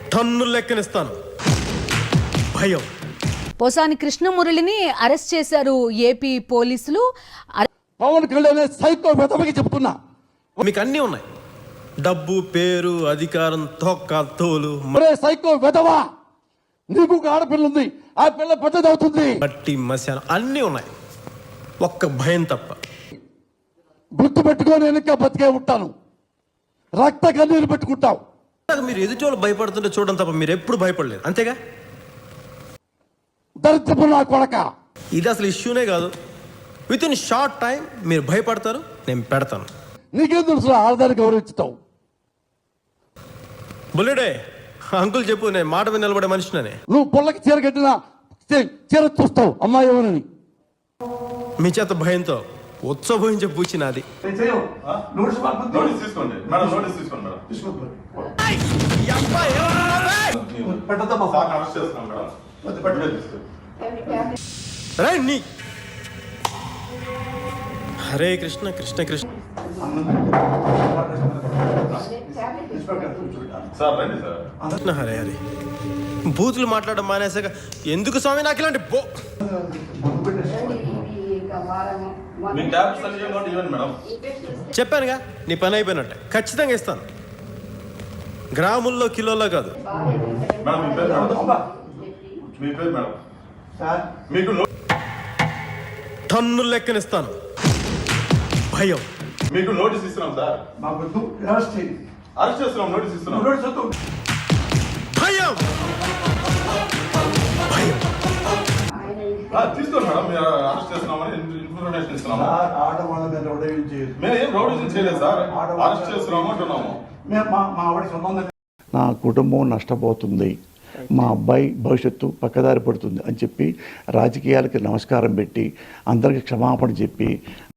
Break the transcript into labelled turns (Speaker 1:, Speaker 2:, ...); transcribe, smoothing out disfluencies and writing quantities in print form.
Speaker 1: Ton లెక్కనిస్తాను. భయం.
Speaker 2: పోసాని కృష్ణమురళిని అరెస్ట్ చేశారు ఏపీ పోలీసులు.
Speaker 3: పవన్ కళ్యాణ్ సైకో వెతవకి చెప్తున్నా.
Speaker 1: మీకు అన్నీ ఉన్నాయి, డబ్బు, పేరు, అధికారం, తొక్క తోలు,
Speaker 3: సైకో వెతవా, నీకు ఒక ఆడపిల్ల ఉంది, ఆ పిల్ల పెద్దది అవుతుంది,
Speaker 1: మట్టి మశానం అన్నీ ఉన్నాయి, ఒక్క భయం తప్ప.
Speaker 3: గుర్తు పెట్టుకొని వెనక బతికే ఉంటాను, రక్త కన్నీరు పెట్టుకుంటావు.
Speaker 1: మీరు ఎదుటి వాళ్ళు భయపడుతుంటే చూడడం తప్ప మీరు ఎప్పుడు భయపడలేదు, అంతేగా?
Speaker 3: దరిద్రపు నా కొడక,
Speaker 1: ఇది అసలు ఇష్యూనే కాదు. విత్ ఇన్ షార్ట్ టైం మీరు భయపడతారు, నేను పెడతాను.
Speaker 3: నీకేం తెలుసు ఆడదాన్ని గౌరవించుతావు?
Speaker 1: బుల్లెడే అంకుల్ చెప్పు, నేను మాట మీద నిలబడే మనిషినని.
Speaker 3: నువ్వు పొల్లకి చీర కట్టినా చీర చూస్తావు అమ్మాయి ఎవరని.
Speaker 1: మీ చేత భయంతో ఉత్సవహించే పూచి నాది. హరే కృష్ణ కృష్ణ కృష్ణ. హరే హరే. బూతులు మాట్లాడడం మానేసాక ఎందుకు స్వామి నాకు ఇలాంటి చెప్పానుగా, నీ పని అయిపోయినట్టే. ఖచ్చితంగా ఇస్తాను, గ్రాముల్లో కిలోలో కాదు. టన్ను లెక్కనిస్తాను. భయం.
Speaker 4: మీకు నోటీస్ ఇస్తున్నాం సార్. అరెస్ట్ చేస్తున్నాం, నోటీస్ ఇస్తున్నాం.
Speaker 1: భయం. భయం.
Speaker 4: తీసుకోండి మేడం, మీరు అరెస్ట్ చేస్తున్నామని ఇన్ఫర్మేషన్ ఇస్తున్నాము. మేము ఏం రౌడీజం చేయలేదు సార్, అరెస్ట్ చేస్తున్నాము అంటున్నాము.
Speaker 3: నా కుటుంబం నష్టపోతుంది, మా అబ్బాయి భవిష్యత్తు పక్కదారి పడుతుంది అని చెప్పి రాజకీయాలకి నమస్కారం పెట్టి అందరికి క్షమాపణ చెప్పి